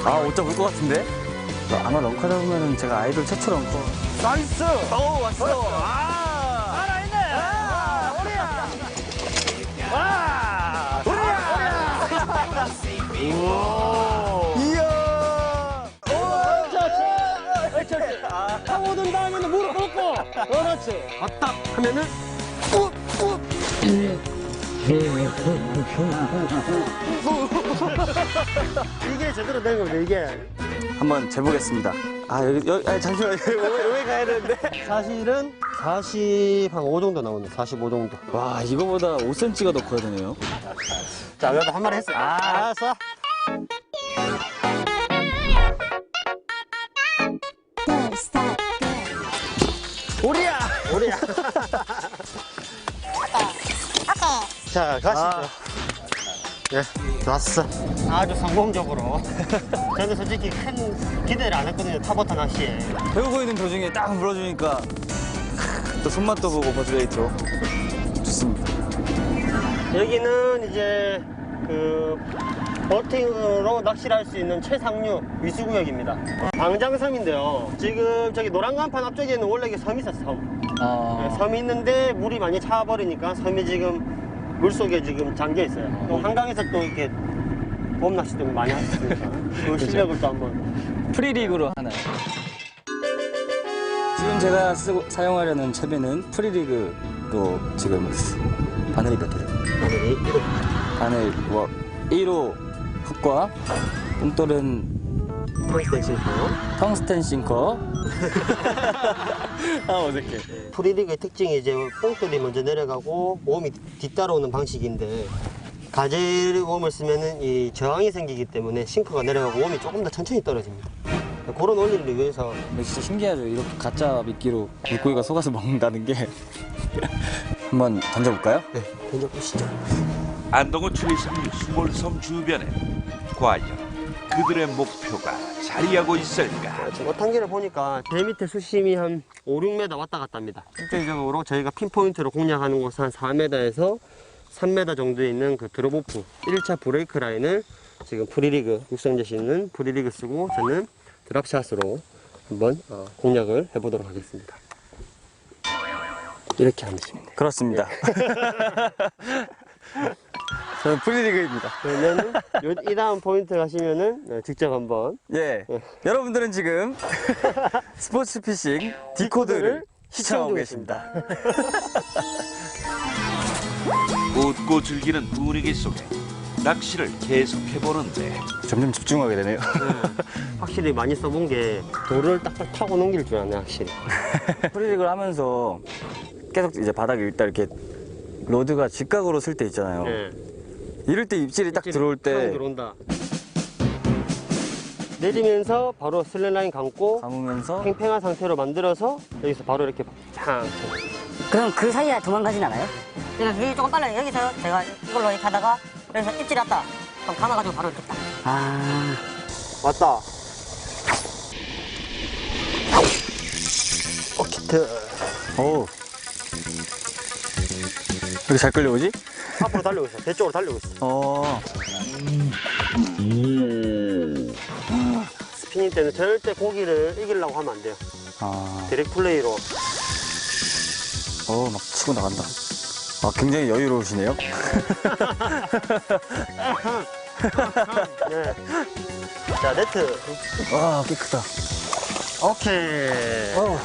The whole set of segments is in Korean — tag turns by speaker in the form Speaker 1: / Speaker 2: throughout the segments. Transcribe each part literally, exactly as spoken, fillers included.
Speaker 1: 아, 못 잡을 것 같은데? 아마 런커 잡으면 제가 아이돌 최초 런커.
Speaker 2: 나이스!
Speaker 1: 오, 왔어!
Speaker 2: 아! 살아있네! 아! 오리야! 와! 오리야! 오! 이야! 오! 그렇지! 그렇지! 타고든 다음에는 무릎 꿇고! 그렇지! 왔다! 하면은 꾹! 꾹! 이게 제대로 된 겁니다, 이게.
Speaker 1: 한번 재보겠습니다. 아, 여기, 여기, 아니, 잠시만요. 여기 가야 되는데.
Speaker 2: 사실은 사십오 정도 나오네, 사십오 정도.
Speaker 1: 와, 이거보다 오 센티미터가 더 커야 되네요.
Speaker 2: 자, 그래도 한 마리 했어요. 아, 알았어. 오리야! 오리야! 자, 가시죠.
Speaker 1: 아.
Speaker 2: 네, 좋았어. 아주 성공적으로. 저는 솔직히 큰 기대를 안 했거든요, 탑워터 낚시에.
Speaker 1: 배우고 있는 도중에 딱 물어주니까 또 손맛도 보고 버즈레이트로 좋습니다.
Speaker 2: 여기는 이제 그 버팅으로 낚시를 할 수 있는 최상류 위수구역입니다. 방장섬인데요. 지금 저기 노란 간판 앞쪽에는 원래 이게 섬이 있었어, 섬.
Speaker 1: 아...
Speaker 2: 네, 섬이 있는데 물이 많이 차버리니까 섬이 지금 물속에 지금 잠겨 있어요. 또 한강에서 또 이렇게 봄 낚시도 많이 하셨으니까 그 실력을 또 한번.
Speaker 1: 프리리그로 하나요? 지금 제가 쓰고, 사용하려는 채비는 프리리그로 지금 바늘이 몇 개죠?
Speaker 2: 바늘이
Speaker 1: 바늘 뭐 일 호 훅과 뽕돌은
Speaker 2: 텅스텐 싱커.
Speaker 1: 텅스텐 싱커. 아, 어색해.
Speaker 2: 프리리그의 특징이 이제 뽕돌이 먼저 내려가고 웜이 뒤따라오는 방식인데, 가젤 웜을 쓰면은 이 저항이 생기기 때문에 싱커가 내려가고 웜이 조금 더 천천히 떨어집니다. 그런 원리를 위해서.
Speaker 1: 근데 진짜 신기하죠. 이렇게 가짜 미끼로 물고기가 속아서 먹는다는 게. 한번 던져볼까요?
Speaker 2: 네, 던져보시죠.
Speaker 3: 안동호 최상류 수몰섬 주변에 과연 그들의 목표가 자리하고 있을까?
Speaker 2: 지금 어탕기를 보니까 배 밑에 수심이 한 오, 육 미터 왔다 갔다 합니다. 실질적으로 저희가 핀포인트로 공략하는 곳은 한 사 미터에서 삼 미터 정도에 있는 그 드롭오프 일 차 브레이크 라인을 지금 프리리그, 육성재 씨는 프리리그 쓰고 저는 드랍샷으로 한번 어, 공략을 해보도록 하겠습니다. 이렇게 하면 됩니다.
Speaker 1: 그렇습니다. 저는 프리리그입니다.
Speaker 2: 그러면은 요, 이 다음 포인트 가시면은 네, 직접 한번.
Speaker 1: 예.
Speaker 2: 예.
Speaker 1: 여러분들은 지금 스포츠 피싱 디코드를 시청하고 계십니다.
Speaker 3: 웃고 즐기는 분위기 속에 낚시를 계속해보는데
Speaker 1: 점점 집중하게 되네요.
Speaker 2: 네, 확실히 많이 써본 게 돌을 딱딱 타고 넘길 줄 아네, 확실히.
Speaker 1: 프리리그를 하면서 계속 이제 바닥에 일단 이렇게 로드가 직각으로 쓸 때 있잖아요.
Speaker 2: 네.
Speaker 1: 이럴 때 입질이 딱 들어올 때
Speaker 2: 들어온다. 내리면서 바로 슬랩라인 감고
Speaker 1: 감으면서
Speaker 2: 팽팽한 상태로 만들어서 여기서 바로 이렇게 팡.
Speaker 4: 그럼 그 사이에 도망가진 않아요? 그냥 그게 조금 빨라요. 여기서 제가 이걸로 이렇게 하다가 여기서 입질이 왔다. 그럼 감아가지고 바로 이렇게 딱. 아.
Speaker 2: 왔다. 어, 키트.
Speaker 1: 오. 이렇게 잘 끌려오지?
Speaker 2: 앞으로 달리고 있어. 배 쪽으로 달리고 있어.
Speaker 1: 어.
Speaker 2: 스피닝 때는 절대 고기를 이기려고 하면 안 돼요.
Speaker 1: 아.
Speaker 2: 디렉 플레이로.
Speaker 1: 어, 막 치고 나간다. 아, 굉장히 여유로우시네요.
Speaker 2: 네. 자, 네트.
Speaker 1: 와, 꽤 크다.
Speaker 2: 오케이.
Speaker 1: 어.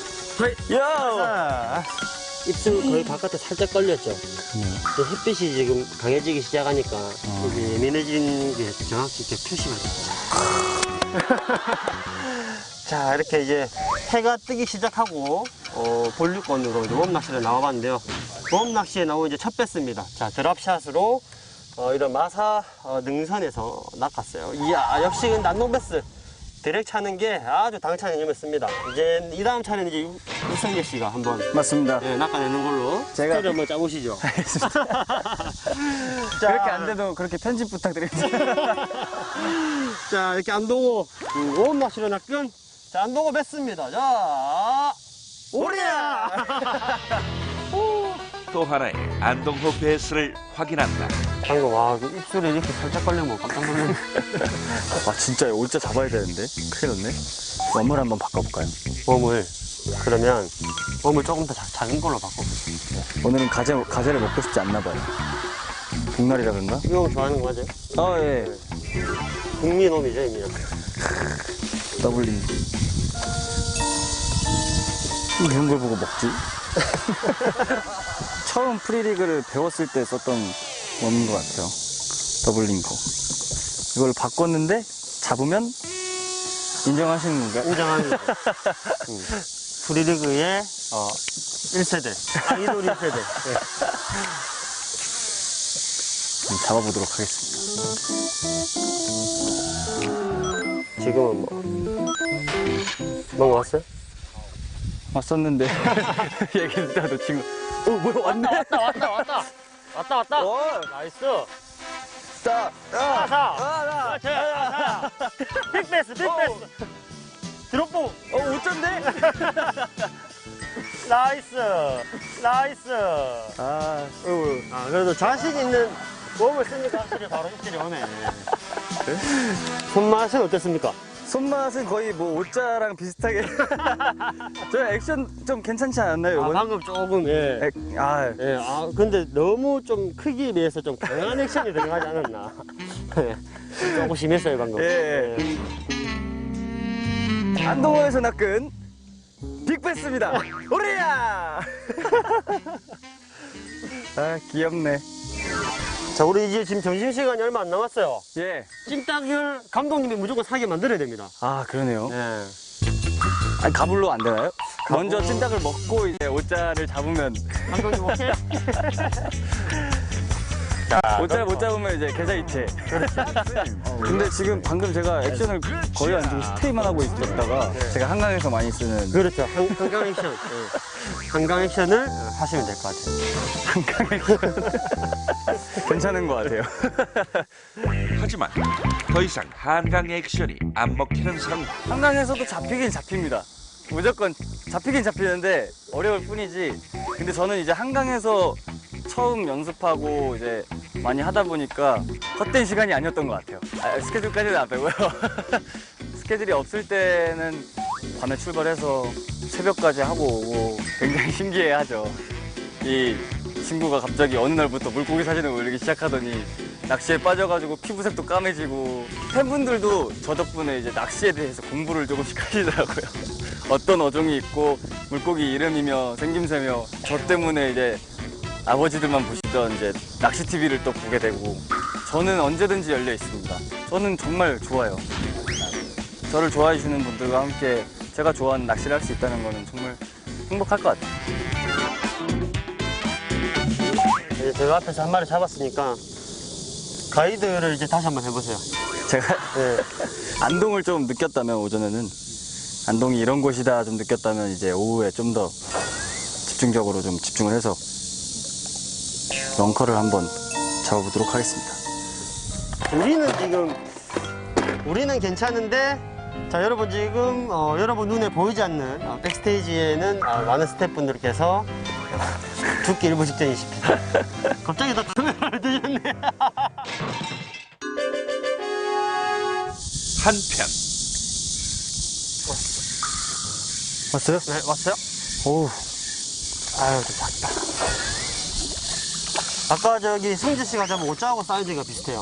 Speaker 2: 자,
Speaker 1: 야!
Speaker 2: 입술 거의 바깥에 살짝 걸렸죠. 이제 햇빛이 지금 강해지기 시작하니까
Speaker 1: 어.
Speaker 2: 이제 예민해진 게 정확히 이렇게 표시가 돼요. 자, 이렇게 이제 해가 뜨기 시작하고 어, 본류권으로 이제 웜 낚시를 나와봤는데요. 웜 낚시에 나온 이제 첫 배스입니다. 자, 드랍샷으로 어, 이런 마사 어, 능선에서 낚았어요. 이야, 역시 난동 배스. 드랙 차는 게 아주 당차는 힘을 씁니다. 이제 이 다음 차는 이제 육성재 씨가 한번
Speaker 1: 맞습니다.
Speaker 2: 예, 낚아내는 걸로
Speaker 1: 제가-
Speaker 2: 스타일 한번 짜보시죠.
Speaker 1: 알겠습니다.
Speaker 2: 자,
Speaker 1: 그렇게 안 돼도 그렇게 편집 부탁드립니다.
Speaker 2: 자, 이렇게 안동호 웜 낚시로 낚은 자, 안동호 뺐습니다. 자, 오리야! 오.
Speaker 3: 또 하나의 안동호 베스를 확인한다.
Speaker 2: 방금 와 입술에 이렇게 살짝 걸리면 깜짝 놀랐네.
Speaker 1: 아 진짜 올자 잡아야 되는데 큰일 났네. 웜을 한번 바꿔볼까요?
Speaker 2: 웜을 그러면 웜을 조금 더 자- 작은 걸로 바꿔보세요.
Speaker 1: 오늘은 가재, 가재를 먹고 싶지 않나 봐요. 복날이라 그런가?
Speaker 2: 이거 좋아하는 거 맞아요?
Speaker 1: 아 예.
Speaker 2: 국민홈이죠 이미.
Speaker 1: 더블링. 이런 걸 보고 먹지? 처음 프리리그를 배웠을 때 썼던 웜인 것 같아요. 더블링거. 이걸 바꿨는데 잡으면 인정하시는 건가요?
Speaker 2: 인정합니다. 음. 프리리그의 어, 일 세대, 아이돌 일 세대. 네.
Speaker 1: 좀 잡아보도록 하겠습니다.
Speaker 2: 지금은 뭐 뭔가 왔어요?
Speaker 1: 왔었는데 얘기 듣다 놓친 거. 어 뭐야 왔네.
Speaker 2: 왔다 왔다 왔다 왔다 왔다.
Speaker 1: 오!
Speaker 2: 나이스.
Speaker 1: 자,
Speaker 2: 사, 사.
Speaker 1: 아,
Speaker 2: 그렇지. 사. 빅패스, 빅패스. 드롭보.
Speaker 1: 어 어쩐데?
Speaker 2: 나이스. 나이스.
Speaker 1: 아,
Speaker 2: 아, 그래도 자신 있는 웜을 쓰니까 확실히 바로 입질이 오네. 손맛은 어땠습니까?
Speaker 1: 손맛은 거의 뭐 오자랑 비슷하게. 저 액션 좀 괜찮지 않았나요?
Speaker 2: 아,
Speaker 1: 이번?
Speaker 2: 방금 조금, 예.
Speaker 1: 액, 아,
Speaker 2: 예, 아, 근데 너무 좀 크기에 비해서 좀 강한 액션이 들어가지 않았나. 예, 조금 심했어요, 방금.
Speaker 1: 예. 안동호에서 낚은 빅패스입니다. 오리야! 아 귀엽네.
Speaker 2: 자, 우리 이제 지금 점심시간이 얼마 안 남았어요.
Speaker 1: 예.
Speaker 2: 찜닭을 감독님이 무조건 사게 만들어야 됩니다.
Speaker 1: 아 그러네요.
Speaker 2: 예.
Speaker 1: 아니 가불로 안 되나요? 먼저 찜닭을 먹고 이제 오자를 잡으면
Speaker 2: 감독님 오케이?
Speaker 1: 오자를 못 잡으면 이제 계좌 이체. 근데 지금 방금 제가 액션을 거의 안 주고 스테이만 하고 있었다가 제가 한강에서 많이 쓰는
Speaker 2: 그렇죠. 한, 한강 액션. 예. 한강 액션을 하시면 될 것 같아요.
Speaker 1: 한강 액션 괜찮은 것 같아요.
Speaker 3: 하지만 더 이상 한강 액션이 안 먹히는 상황.
Speaker 1: 한강에서도 잡히긴 잡힙니다. 무조건 잡히긴 잡히는데 어려울 뿐이지. 근데 저는 이제 한강에서 처음 연습하고 이제 많이 하다 보니까 헛된 시간이 아니었던 것 같아요. 아, 스케줄까지는 안 빼고요. 스케줄이 없을 때는 밤에 출발해서 새벽까지 하고 오고 굉장히 신기해하죠. 이 친구가 갑자기 어느 날부터 물고기 사진을 올리기 시작하더니 낚시에 빠져가지고 피부색도 까매지고 팬분들도 저 덕분에 이제 낚시에 대해서 공부를 조금씩 하시더라고요. 어떤 어종이 있고 물고기 이름이며 생김새며 저 때문에 이제 아버지들만 보시던 이제 낚시 티비를 또 보게 되고 저는 언제든지 열려 있습니다. 저는 정말 좋아요. 저를 좋아해 주시는 분들과 함께 제가 좋아하는 낚시를 할 수 있다는 거는 정말 행복할 것 같아요.
Speaker 2: 이제 제가 앞에서 한 마리 잡았으니까 가이드를 이제 다시 한번 해보세요.
Speaker 1: 제가
Speaker 2: 예.
Speaker 1: 안동을 좀 느꼈다면 오전에는 안동이 이런 곳이다 좀 느꼈다면 이제 오후에 좀 더 집중적으로 좀 집중을 해서 런커를 한번 잡아보도록 하겠습니다.
Speaker 2: 우리는 지금 우리는 괜찮은데 자 여러분 지금 어, 여러분 눈에 보이지 않는 어, 백스테이지에는 어, 많은 스태프분들께서 죽기 일부 직전이십니다. 갑자기 다 카메라를 드셨네.
Speaker 3: 한편
Speaker 1: 왔어요?
Speaker 2: 네 왔어요?
Speaker 1: 오,
Speaker 2: 아유 좀 작다. 아까 저기 성재 씨가 잡은 오자하고 사이즈가 비슷해요.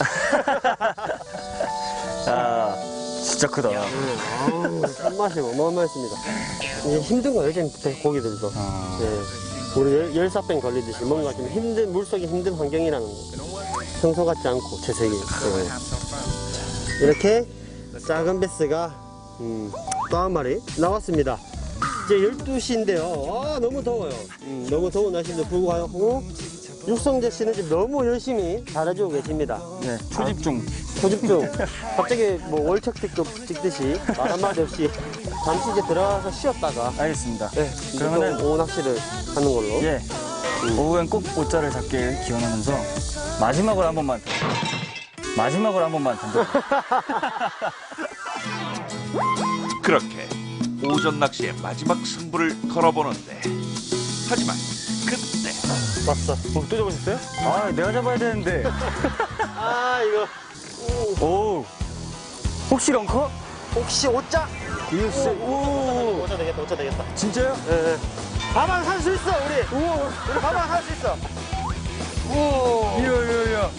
Speaker 1: 야, 진짜 크다.
Speaker 2: 네, 아우 손맛이 어마어마했습니다. 이게 힘든 거예요 지금 고기들도.
Speaker 1: 아.
Speaker 2: 네. 우리 열, 열사병 걸리듯이 뭔가 좀 힘든 물속이 힘든 환경이라는 거. 평소 같지 않고 제 세계. 네. 이렇게 작은 베스가 음, 또 한 마리 나왔습니다. 이제 열두 시인데요. 아, 너무 더워요. 음, 너무 더운 날씨인데 불구하고 육성재 씨는 지금 너무 열심히 잘해주고 계십니다.
Speaker 1: 네, 초집중.
Speaker 2: 초집중. 갑자기 뭐 월척 B급 찍듯이 말 한마디 없이 잠시 이제 들어가서 쉬었다가
Speaker 1: 알겠습니다.
Speaker 2: 네,
Speaker 1: 그러면은
Speaker 2: 그러면은 오후 낚시를 하는 걸로.
Speaker 1: 예, 오후엔 꼭 오자를 잡길 기원하면서 마지막으로 한 번만 더. 마지막으로 한 번만 던져.
Speaker 3: 그렇게 오전 낚시의 마지막 승부를 걸어보는데 하지만 그때
Speaker 2: 왔어. 어, 또 잡으셨어요?
Speaker 1: 아, 내가 잡아야 되는데.
Speaker 2: 아, 이거.
Speaker 1: 오. 혹시 런커?
Speaker 2: 혹시 오자?
Speaker 1: 이거 진짜, 오.
Speaker 2: 오자 되겠다, 오자 되겠다.
Speaker 1: 진짜요?
Speaker 2: 예, 예. 밥안 살 수 있어, 우리. 우와. 우리 밥안 살 수 있어. 오.
Speaker 1: 이야, 이야, 이야.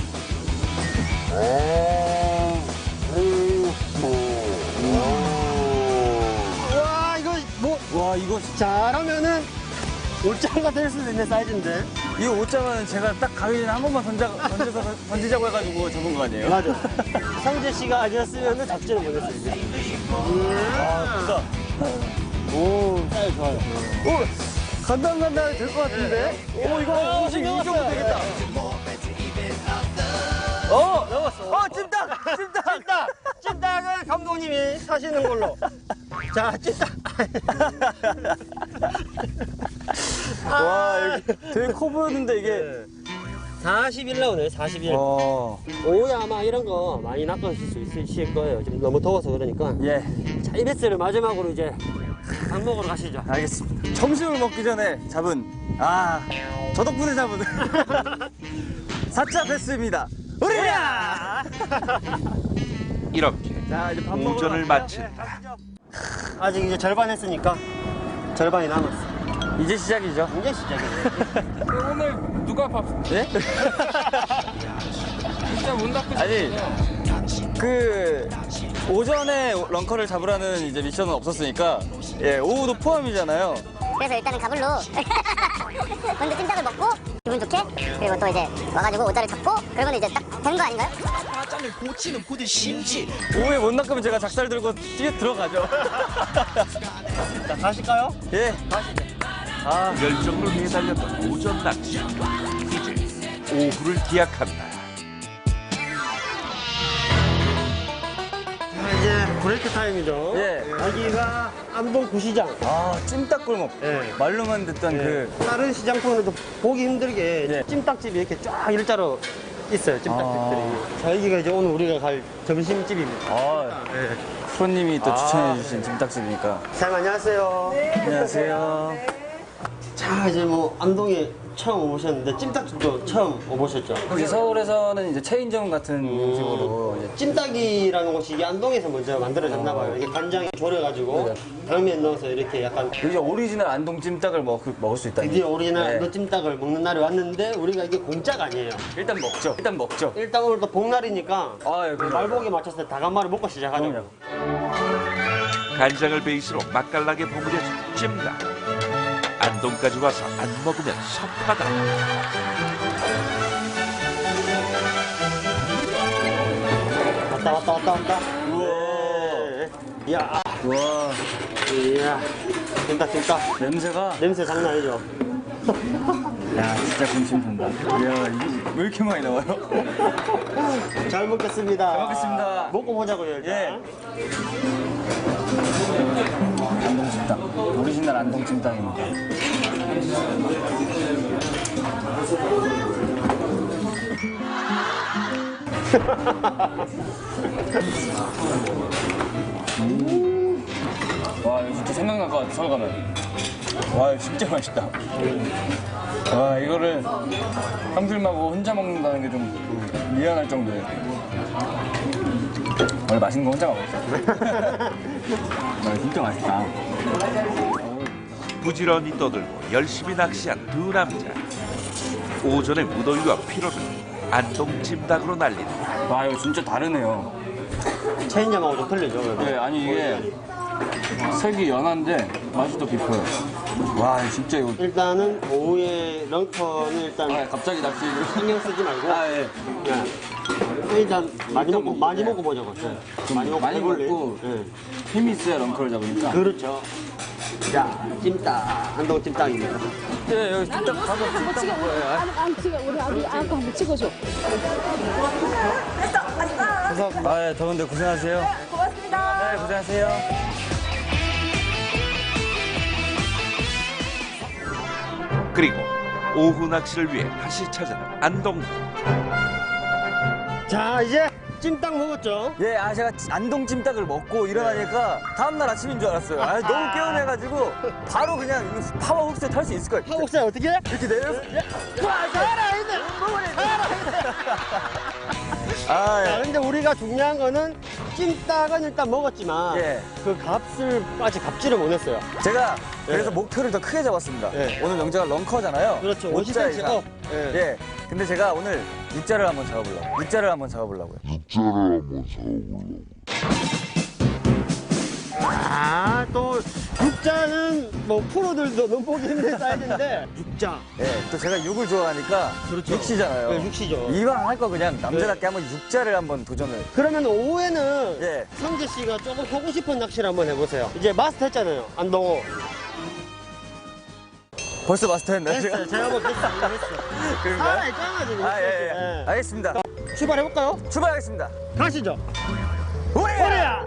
Speaker 2: 와, 이거 뭐,
Speaker 1: 와, 이거,
Speaker 2: 잘하면은 올장가 될 수도 있는 사이즈인데.
Speaker 1: 이거 오자마는 제가 딱 가기 전에 한 번만 던져, 던져서, 던지자고 해가지고 잡은 거 아니에요?
Speaker 2: 맞아. 상재 씨가 아니었으면 잡지는 못했어, 이제.
Speaker 1: 아, 진짜.
Speaker 2: 오, 사이즈 좋아요.
Speaker 1: 오, 간당간당 될 것 같은데? 오, 이거 음식 이겨도 되겠다. 어!
Speaker 2: 넘었어.
Speaker 1: 어, 찜닭! 찜닭!
Speaker 2: 찜닭! 찜닭은 감독님이 사시는 걸로. 자, 찜닭.
Speaker 1: 와, 이거 되게 커 보였는데, 이게.
Speaker 2: 사십 일 나오네, 사십 일.
Speaker 1: 와.
Speaker 2: 오후에 아마 이런 거 많이 낚으실 수 있으실 거예요. 지금 너무 더워서 그러니까.
Speaker 1: 예,
Speaker 2: 자, 이베스를 마지막으로 이제 밥 먹으러 가시죠.
Speaker 1: 알겠습니다. 점심을 먹기 전에 잡은, 아, 저 덕분에 잡은 사자 베스입니다. 우리야!
Speaker 3: 이렇게
Speaker 1: 자, 이제 밥 먹으러
Speaker 3: 오전을
Speaker 1: 갈까요?
Speaker 3: 마친다.
Speaker 2: 아직 이제 절반 했으니까 절반이 남았어.
Speaker 1: 이제 시작이죠.
Speaker 2: 이제 시작이네.
Speaker 5: 오늘 누가 밥
Speaker 1: 예?
Speaker 5: 진짜 문 닫고
Speaker 1: 아니, 그, 오전에 런커를 잡으라는 이제 미션은 없었으니까, 예, 오후도 포함이잖아요.
Speaker 6: 그래서 일단은 가불로 먼저 찜닭을 먹고 기분 좋게 그리고 또 이제 와가지고 오자를 잡고 그러면 이제 딱 된 거 아닌가요?
Speaker 1: 오후에 못 낚으면 제가 작살 들고 뛰어 들어가죠.
Speaker 2: 자, 가실까요?
Speaker 1: 예. 아,
Speaker 3: 열정으로 매달렸던 오전 낚시. 이제 오후를 기약한다.
Speaker 2: 자, 이제 브레이크 타임이죠.
Speaker 1: 예.
Speaker 2: 여기가 안동 구시장.
Speaker 1: 아, 찜닭골목.
Speaker 2: 예.
Speaker 1: 말로만 듣던 그,
Speaker 2: 다른 시장통에도 보기 힘들게
Speaker 1: 예.
Speaker 2: 찜닭집이 이렇게 쫙 일자로 있어요. 찜닭집들이.
Speaker 1: 아.
Speaker 2: 자, 여기가 이제 오늘 우리가 갈 점심집입니다.
Speaker 1: 아,
Speaker 2: 예.
Speaker 1: 프로님이 또
Speaker 2: 아.
Speaker 1: 추천해주신 찜닭집이니까.
Speaker 2: 사장님 안녕하세요.
Speaker 1: 안녕하세요.
Speaker 2: 자, 이제 뭐 안동에 처음 오셨는데 찜닭집도 처음 오보셨죠?
Speaker 1: 이제 서울에서는 이제 체인점 같은
Speaker 2: 음.
Speaker 1: 식으로 이제
Speaker 2: 찜닭이라는 곳이 이게 안동에서 먼저 만들어졌나 봐요. 이게 간장에 졸여가지고 당면 넣어서 이렇게 약간
Speaker 1: 이제 오리지널 안동 찜닭을 먹, 먹을 수 있다니.
Speaker 2: 드디어 우리는
Speaker 1: 네.
Speaker 2: 안동 찜닭을 먹는 날이 왔는데 우리가 이게 공짜가 아니에요.
Speaker 1: 일단 먹죠. 일단 먹죠.
Speaker 2: 일단 오늘 또 복날이니까
Speaker 1: 아, 예, 그럼요.
Speaker 2: 말복에 맞춰서 닭한마리 먹고 시작하자고.
Speaker 1: 그럼요.
Speaker 3: 간장을 베이스로 맛깔나게 버무려진 찜닭. 안동까지 와서 안 먹으면 섭하다.
Speaker 2: 왔다 왔다 왔다 왔다.
Speaker 1: 우와.
Speaker 2: 네. 이야,
Speaker 1: 와,
Speaker 2: 이야, 찜닭 찜닭.
Speaker 1: 냄새가.
Speaker 2: 냄새 장난 아니죠?
Speaker 1: 야, 진짜 군침 돈다. 이야, 이게 왜 이렇게 많이 나와요?
Speaker 2: 잘 먹겠습니다.
Speaker 1: 잘 먹겠습니다.
Speaker 2: 먹고 보자고요 일단.
Speaker 1: 예. 안동 찜닭. 오리지널 안동 찜닭입니다. 음. 와, 이거 진짜 생각날 것 같아, 서울 가면. 와, 이거 진짜 맛있다. 와, 이거를 형들하고 혼자 먹는다는 게 좀 미안할 정도예요. 원래 맛있는 거 혼자 먹었어. 와, 진짜 맛있다.
Speaker 3: 부지런히 떠들고 열심히 낚시한 두 남자. 오전의 무더위와 피로를 안동 찜닭으로 날린다.
Speaker 1: 와, 이거 진짜 다르네요.
Speaker 2: 체인점하고 좀 틀리죠? 그래도?
Speaker 1: 네, 아니 이게 색이 연한데 맛이 더 깊어요. 와, 진짜 이거.
Speaker 2: 일단은 오후에 런커는 일단
Speaker 1: 아, 갑자기 낚시를.
Speaker 2: 신경 쓰지 말고
Speaker 1: 아, 예.
Speaker 2: 그냥 일단 많이 먹고 많이 먹고 보자고. 네. 많이 먹고
Speaker 1: 많이
Speaker 2: 해볼래?
Speaker 1: 먹고.
Speaker 2: 네.
Speaker 1: 힘이 있어야 런커를 잡으니까.
Speaker 2: 그렇죠. 자, 찜닭 한동 찜닭입니다.
Speaker 1: 예, 여기 찜닭 가서 찜닭 먹어요.
Speaker 7: 안, 안 찍어. 우리 아기 아까 한번 찍어줘.
Speaker 1: 아, 예, 더운데 고생하세요. 고맙습니다. 네, 고생하세요.
Speaker 3: 그리고 오후 낚시를 위해 다시 찾은 안동.
Speaker 2: 자, 이제 찜닭 먹었죠?
Speaker 1: 예, 아 제가 안동 찜닭을 먹고 일어나니까 다음날 아침인 줄 알았어요. 아, 너무 개운해가지고 바로 그냥 이거 파워 흡수에 탈 수 있을 거예요.
Speaker 2: 하옥사 어떻게 해?
Speaker 1: 이렇게 내려서
Speaker 2: 와, 살아있네!
Speaker 1: 아,
Speaker 2: 자,
Speaker 1: 예.
Speaker 2: 근데 우리가 중요한 거는 찜닭은 일단 먹었지만
Speaker 1: 예.
Speaker 2: 그 값을 아직 값지를 못했어요.
Speaker 1: 제가
Speaker 2: 예.
Speaker 1: 그래서 목표를 더 크게 잡았습니다.
Speaker 2: 예.
Speaker 1: 오늘 명제가 런커잖아요.
Speaker 2: 그렇죠.
Speaker 1: 오자
Speaker 2: 오십 센티미터
Speaker 1: 이상.
Speaker 2: 업. 예.
Speaker 1: 예. 근데 제가 오늘 육자를 한번 잡아보려고. 육자를 한번 잡아보려고요.
Speaker 2: 아, 또 육자는 뭐 프로들도 눈보기 힘든 사이즈인데 육자.
Speaker 1: 예. 또 제가 육을 좋아하니까
Speaker 2: 그렇죠.
Speaker 1: 육시잖아요.
Speaker 2: 네, 육시죠.
Speaker 1: 이왕 할 거 그냥 남자답게 한번 육자를 한번 도전을.
Speaker 2: 그러면 오후에는
Speaker 1: 예.
Speaker 2: 성재 씨가 조금 하고 싶은 낚시를 한번 해보세요. 이제 마스터 했잖아요. 안동호.
Speaker 1: 벌써 마스터했나요?
Speaker 2: 했어요. 제가 한번 했어요. 했어.
Speaker 1: 그런가요?
Speaker 2: 살아있잖아 지금.
Speaker 1: 아, 예, 예.
Speaker 2: 예.
Speaker 1: 알겠습니다.
Speaker 2: 출발해볼까요?
Speaker 1: 출발하겠습니다.
Speaker 2: 가시죠.
Speaker 1: 오리야!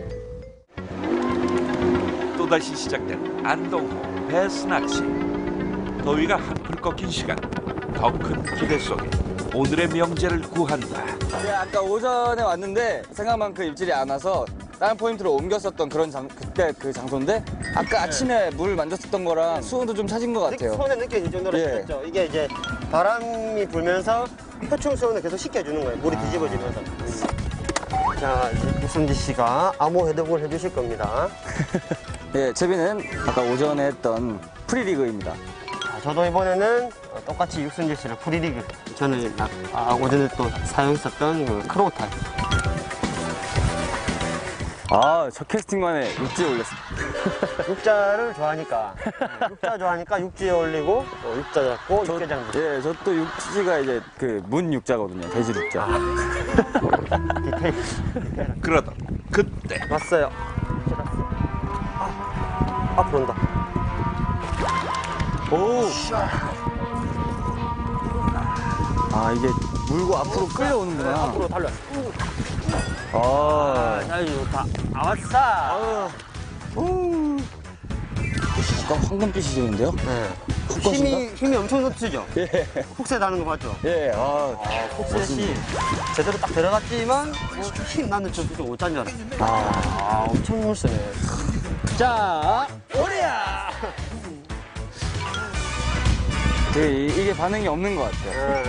Speaker 3: 또다시 시작된 안동호 배스 낚시. 더위가 한풀 꺾인 시간. 더 큰 기대 속에 오늘의 명제를 구한다.
Speaker 1: 네, 아까 오전에 왔는데 생각만큼 입질이 안 와서 다른 포인트로 옮겼었던 그런 장, 그때 그 장소인데 아까 아침에 물 만졌었던 거랑 수온도 좀 차진 것 같아요.
Speaker 2: 손에 느껴질 정도로
Speaker 1: 예.
Speaker 2: 식혔죠. 이게 이제 바람이 불면서 표층 수온을 계속 식혀주는 거예요. 물이 뒤집어지면서. 자, 이제 유승지 씨가 암호 해독을 해주실 겁니다.
Speaker 1: 예, 채비는 아까 오전에 했던 프리리그입니다.
Speaker 2: 자, 저도 이번에는 똑같이 육순지 씨를 프리리그. 저는 아, 아, 오전에 또 사용했었던 그 크로우탈.
Speaker 1: 아, 저 캐스팅만에 육지에 올렸습니다.
Speaker 2: 육자를 좋아하니까. 육자 좋아하니까 육지에 올리고, 또 육자 잡고, 육개장 잡고.
Speaker 1: 예, 저 또 육지가 이제 그 문 육자거든요. 돼지 육자.
Speaker 2: 디테일.
Speaker 3: 그러던 그때
Speaker 2: 왔어요. 아, 앞으로 온다.
Speaker 1: 오! 아, 이게 물고 앞으로 끌려오는구나.
Speaker 2: 앞으로 달려.
Speaker 1: 아,
Speaker 2: 아, 좋다. 아, 왔어.
Speaker 1: 약간 황금빛이 되는데요?
Speaker 2: 네.
Speaker 1: 훅것인가?
Speaker 2: 힘이, 힘이 엄청 넘치죠?
Speaker 1: 예.
Speaker 2: 훅새 나는 거 봤죠?
Speaker 1: 예, 아,
Speaker 2: 훅셋이 제대로 딱 들어갔지만 뭐 힘 나는 저좀 오짠 줄 알았어.
Speaker 1: 아,
Speaker 2: 아, 엄청 물쓰네. 자, 오리야!
Speaker 1: 되게 이- 이게 반응이 없는 것 같아요.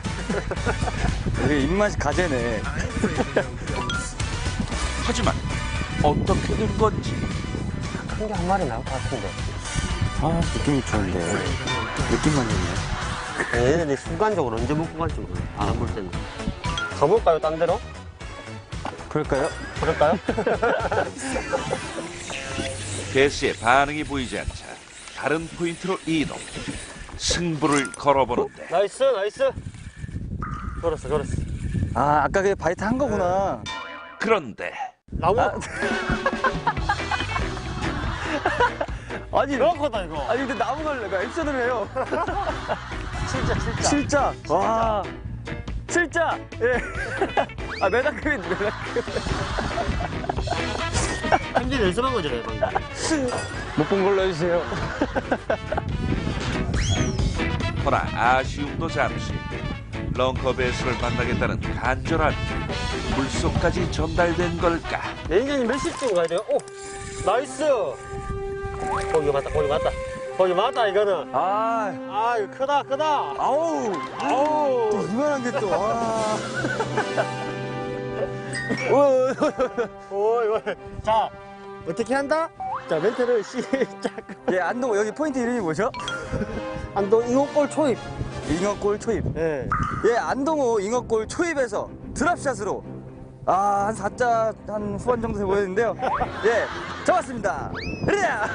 Speaker 1: 되게 입맛이 가재네.
Speaker 3: 하지만 어떻게 된 건지
Speaker 2: 큰 게 한 마리 나올 것 같은데.
Speaker 1: 아, 느낌이 좋은데. 느낌만 좋네.
Speaker 2: 얘네들이 순간적으로 언제 먹고 갈지 몰라. 안 볼 때는. 가볼까요, 딴 데로?
Speaker 1: 그럴까요?
Speaker 2: 그럴까요?
Speaker 3: 배스의 반응이 보이지 않자 다른 포인트로 이동. 승부를 걸어보는데
Speaker 2: 나이스, 나이스. 걸었어, 걸었어.
Speaker 1: 아, 아까 그 바이트 한 거구나.
Speaker 3: 그런데
Speaker 2: 나무.
Speaker 1: 아. 아니,
Speaker 2: 명확하다, 이거.
Speaker 1: 아니, 근데 나무를 내가 액션을 해요.
Speaker 2: 진짜, 진짜.
Speaker 1: 칠자. 와. 칠자. 예. 아, 메다크빈, 메다크빈.
Speaker 2: 현재 연습한 거죠, 방금.
Speaker 1: 못 본 걸로 해주세요.
Speaker 3: 허나 아쉬움도 잠시. 런커 배스를 만나겠다는 간절한 물속까지 전달된 걸까.
Speaker 2: 매니저님 몇 시쯤 가야 돼요? 오! 나이스! 거기 맞다, 거기 맞다. 거기 맞다, 이거는.
Speaker 1: 아,
Speaker 2: 아, 이거 크다, 크다.
Speaker 1: 아우.
Speaker 2: 아우.
Speaker 1: 또 이만한 게 또, 아.
Speaker 2: 오, 이거. 자, 어떻게 한다? 자, 멘트를 시작.
Speaker 1: 예, 안동, 여기 포인트 이름이 뭐죠?
Speaker 2: 안동 잉어골 초입.
Speaker 1: 잉어골 초입.
Speaker 2: 예.
Speaker 1: 예, 안동호 잉어골 초입에서 드랍샷으로 아, 한 사 자 한 후반 정도 돼 보이는데요. 예, 잡았습니다. 으랴!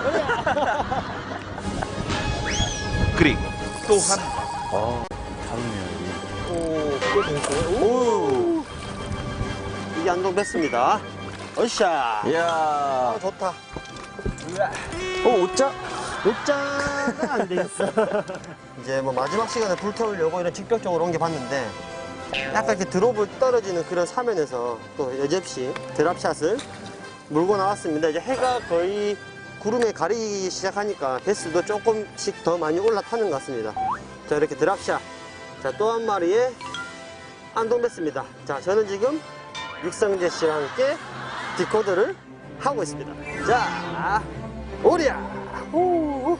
Speaker 3: 그리고 또 한 번
Speaker 1: 어, 다르네요,
Speaker 2: 오, 꽤 재밌어요.
Speaker 1: 이게. 오!
Speaker 2: 이게 안동 베스입니다. 어샤.
Speaker 1: 이야.
Speaker 2: 아, 좋다.
Speaker 1: 어, 오자?
Speaker 2: 녹자가 안 되겠어. 이제 뭐 마지막 시간에 불태우려고 이런 직접적으로 옮겨봤는데 약간 이렇게 드롭을 떨어지는 그런 사면에서 또 여접시 드랍샷을 물고 나왔습니다. 이제 해가 거의 구름에 가리기 시작하니까 배스도 조금씩 더 많이 올라타는 것 같습니다. 자, 이렇게 드랍샷. 자, 또 한 마리의 안동 배스입니다. 자, 저는 지금 육성재 씨와 함께 디코드를 하고 있습니다. 자, 오리야! 오.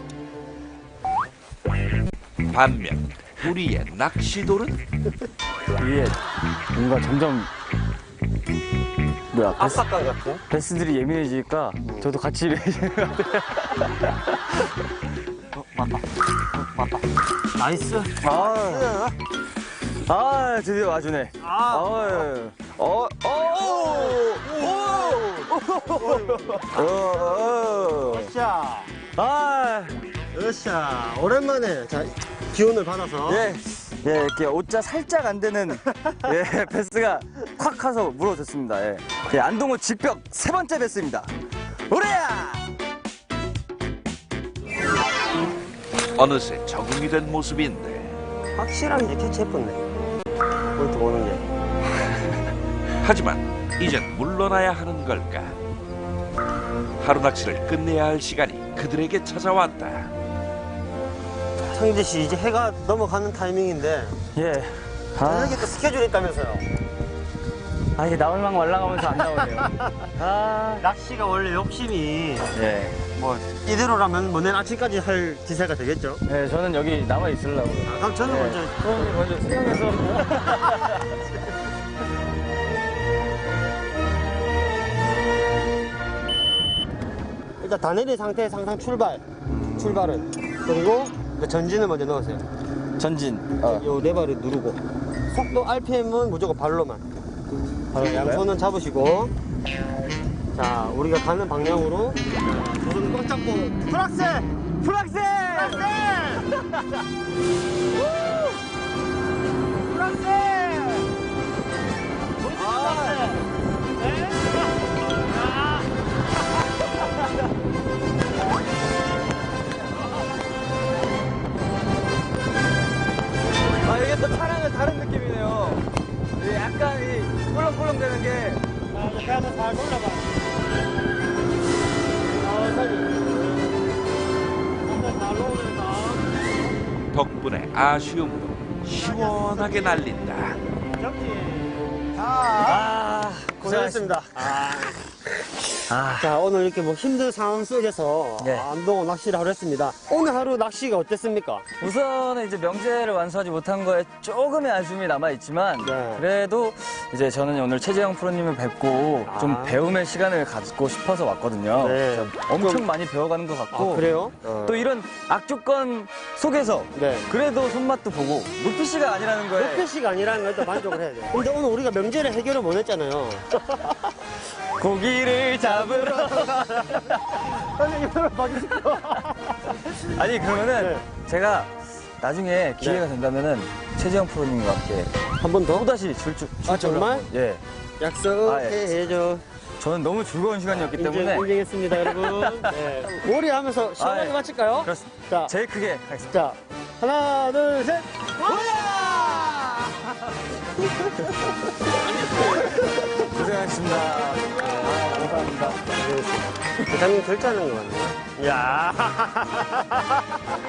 Speaker 3: 반면 우리의 낚시돌은
Speaker 1: 이게 뭔가 점점 뭐야 베스,
Speaker 2: 압박감 같은?
Speaker 1: 베스들이 예민해지니까 저도 같이 예민해지는 것 같아요.
Speaker 2: 어, 맞다. 어, 맞다. 나이스.
Speaker 1: 아, 아 드디어 와주네.
Speaker 2: 아.
Speaker 1: 어이. 어, 어, 오, 오, 오, 오.
Speaker 2: 자,
Speaker 1: 아,
Speaker 2: 으쌰. 오랜만에 자, 기운을 받아서.
Speaker 1: 예, 예, 이렇게 옷자 살짝 안 되는 예 베스가 콱 가서 물어줬습니다. 예, 예 안동호 직벽 세 번째 베스입니다. 오래야!
Speaker 3: 어느새 적응이 된 모습인데
Speaker 2: 확실하게 이제 캐치해봤네. 포인트 오는 게.
Speaker 3: 하지만 이젠 물러나야 하는 걸까? 하루 낚시를 끝내야 할 시간이 그들에게 찾아왔다.
Speaker 2: 상재 씨, 이제 해가 넘어가는 타이밍인데.
Speaker 1: 예. 아,
Speaker 2: 저녁에 또 스케줄이 있다면서요.
Speaker 1: 아 이게 나올랑 말랑하면서 안 나오네요. 아,
Speaker 2: 낚시가 원래 욕심이
Speaker 1: 예.
Speaker 2: 뭐 이대로라면 뭐 내일 아침까지 할 기세가 되겠죠.
Speaker 1: 예, 저는 여기 남아 있으려고요.
Speaker 2: 아, 그럼 저는
Speaker 1: 예.
Speaker 2: 먼저
Speaker 1: 그럼 먼저 수영해서.
Speaker 2: 일단 다 내린 상태에서 항상 출발, 출발은 그리고 이제 전진을 먼저 넣으세요.
Speaker 1: 전진. 어.
Speaker 2: 요 레버를 누르고 속도 알피엠은 무조건 발로만. 바로 양손은 잡으시고 자 우리가 가는 방향으로 두 손 꽉 잡고 프락셀! 프락셀! 프락셀! 프락셀!
Speaker 1: 아 이게 또 차량은 다른 느낌이네요. 이 약간 이 꿀렁꿀렁 되는 게.
Speaker 2: 자, 이제 배에서 잘 올라가. 천천히. 천천히 잘 올라오면서.
Speaker 3: 덕분에 아쉬움도 시원하게 날린다.
Speaker 2: 접지. 자,
Speaker 1: 아,
Speaker 2: 고생했습니다.
Speaker 1: 아,
Speaker 2: 자, 오늘 이렇게 뭐 힘든 상황 속에서
Speaker 1: 네.
Speaker 2: 안동호 낚시를 하루 했습니다. 오늘 하루 낚시가 어땠습니까?
Speaker 1: 우선은 이제 명제를 완수하지 못한 거에 조금의 아쉬움이 남아있지만,
Speaker 2: 네.
Speaker 1: 그래도 이제 저는 오늘 최재형 프로님을 뵙고 좀
Speaker 2: 아.
Speaker 1: 배움의 시간을 갖고 싶어서 왔거든요.
Speaker 2: 네.
Speaker 1: 그래서 엄청 많이 배워가는 것 같고.
Speaker 2: 아, 그래요? 어.
Speaker 1: 또 이런 악조건 속에서
Speaker 2: 네.
Speaker 1: 그래도 손맛도 보고 루피씨가 아니라는 거에
Speaker 2: 루피씨가 아니라는 걸 또 만족을 해야 돼요. 근데 오늘 우리가 명제를 해결을 못 했잖아요.
Speaker 1: 고기를 잡으러
Speaker 2: 선생님, 이걸 봐주시고.
Speaker 1: 아니 그러면은
Speaker 2: 네.
Speaker 1: 제가 나중에 기회가 된다면은 최재형 프로님과 함께
Speaker 2: 한 번 더?
Speaker 1: 또다시 출주
Speaker 2: 아, 정말?
Speaker 1: 예
Speaker 2: 약속해줘.
Speaker 1: 저는 너무 즐거운 시간이었기
Speaker 2: 인정,
Speaker 1: 때문에
Speaker 2: 인정했습니다, 여러분. 네. 오리 하면서 시원하게
Speaker 1: 아, 예.
Speaker 2: 마칠까요?
Speaker 1: 그렇습니다.
Speaker 2: 자,
Speaker 1: 제일 크게 가겠습니다.
Speaker 2: 자, 하나, 둘, 셋.
Speaker 1: 고생하셨습니다. 아, 감사합니다.
Speaker 2: 부장님 결제하는 거 같네요. 이야.